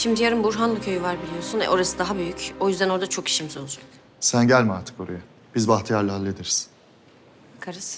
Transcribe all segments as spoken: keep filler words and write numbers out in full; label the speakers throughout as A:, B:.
A: Şimdi yarın Burhanlı köyü var biliyorsun. E, orası daha büyük. O yüzden orada çok işimiz olacak.
B: Sen gelme artık oraya. Biz Bahtiyar'la hallederiz.
A: Bakarız.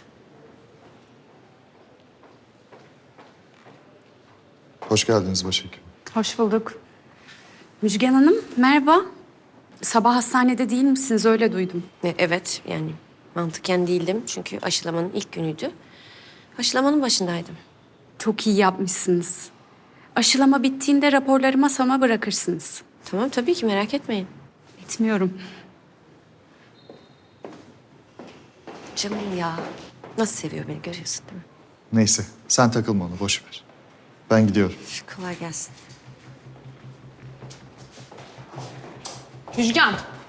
B: Hoş geldiniz başhekim.
C: Hoş bulduk. Müjgan Hanım, merhaba. Sabah hastanede değil misiniz? Öyle duydum.
A: E, evet yani mantıken değildim. Çünkü aşılamanın ilk günüydü. Aşılamanın başındaydım.
C: Çok iyi yapmışsınız. Aşılama bittiğinde raporları masama bırakırsınız.
A: Tamam tabii ki merak etmeyin.
C: Etmiyorum.
A: Canım ya. Nasıl seviyor beni görüyorsun değil mi?
B: Neyse sen takılma ona boş ver. Ben gidiyorum.
A: Üf, kolay gelsin.
D: Müjgan.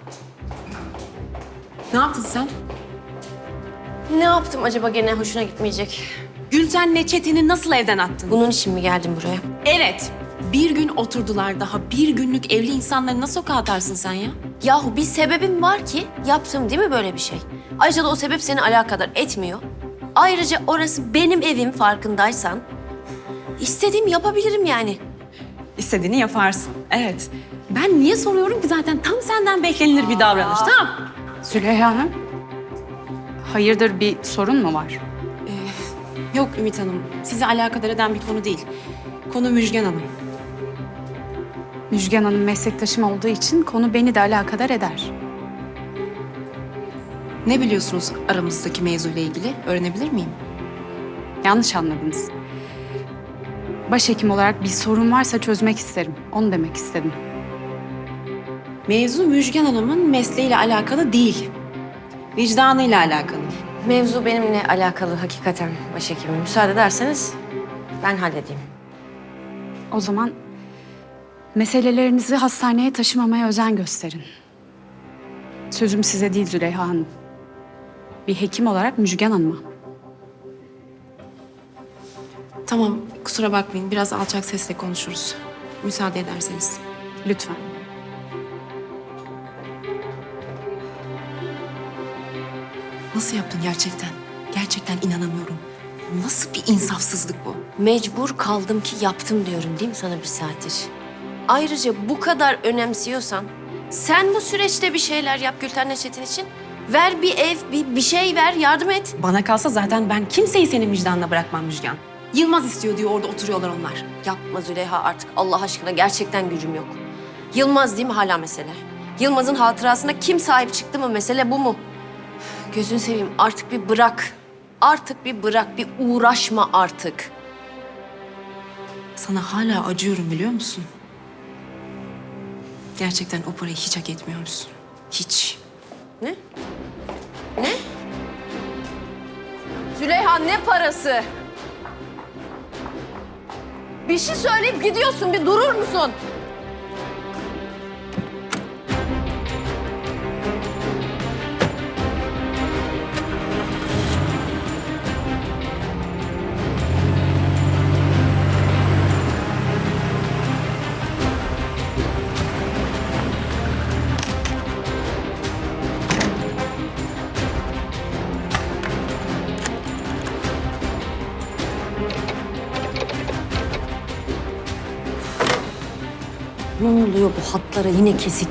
D: Ne yaptın sen?
A: Ne yaptım acaba gene hoşuna gitmeyecek?
D: Gülten'le Çetin'i nasıl evden attın?
A: Bunun için mi geldim buraya?
D: Evet. Bir gün oturdular daha. Bir günlük evli insanları nasıl sokağa atarsın sen ya?
A: Yahu bir sebebim var ki yaptım değil mi böyle bir şey? Ayrıca da o sebep seni alakadar etmiyor. Ayrıca orası benim evim farkındaysan. İstediğimi yapabilirim yani.
D: İstediğini yaparsın. Evet. Ben niye soruyorum ki zaten tam senden beklenilir bir davranış. Tamam.
C: Züleyha Hanım, hayırdır bir sorun mu var?
D: Yok Ümit Hanım. Sizi alakadar eden bir konu değil. Konu Müjgan Hanım.
C: Müjgan Hanım meslektaşım olduğu için konu beni de alakadar eder.
D: Ne biliyorsunuz aramızdaki mevzuyla ilgili? Öğrenebilir miyim?
C: Yanlış anladınız. Başhekim olarak bir sorun varsa çözmek isterim. Onu demek istedim.
D: Mevzu Müjgan Hanım'ın mesleğiyle alakalı değil. Vicdanıyla alakalı.
A: Mevzu benimle alakalı hakikaten başhekimim. Müsaade ederseniz ben halledeyim.
C: O zaman meselelerinizi hastaneye taşımamaya özen gösterin. Sözüm size değil Züleyha Hanım. Bir hekim olarak Müjgan Hanım'a.
D: Tamam, kusura bakmayın. Biraz alçak sesle konuşuruz. Müsaade ederseniz.
C: Lütfen.
D: Nasıl yaptın gerçekten? Gerçekten inanamıyorum. Nasıl bir insafsızlık bu?
A: Mecbur kaldım ki yaptım diyorum değil mi sana bir saattir? Ayrıca bu kadar önemsiyorsan sen bu süreçte bir şeyler yap Gülten Çetin için. Ver bir ev, bir, bir şey ver, yardım et.
D: Bana kalsa zaten ben kimseyi senin vicdanına bırakmam Müjgan. Yılmaz istiyor diyor, orada oturuyorlar onlar.
A: Yapma Züleyha artık Allah aşkına gerçekten gücüm yok. Yılmaz değil mi hala mesele? Yılmaz'ın hatırasına kim sahip çıktı mı mesele bu mu? Gözünü seveyim artık bir bırak. Artık bir bırak, bir uğraşma artık.
D: Sana hala acıyorum biliyor musun? Gerçekten o parayı hiç hak etmiyormuşsun. Hiç.
A: Ne? Ne? Züleyha ne parası? Bir şey söyleyip gidiyorsun, bir durur musun? Ne oluyor bu hatlara yine kesik?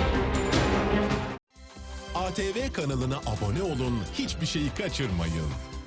E: A T V kanalına abone olun, hiçbir şeyi kaçırmayın.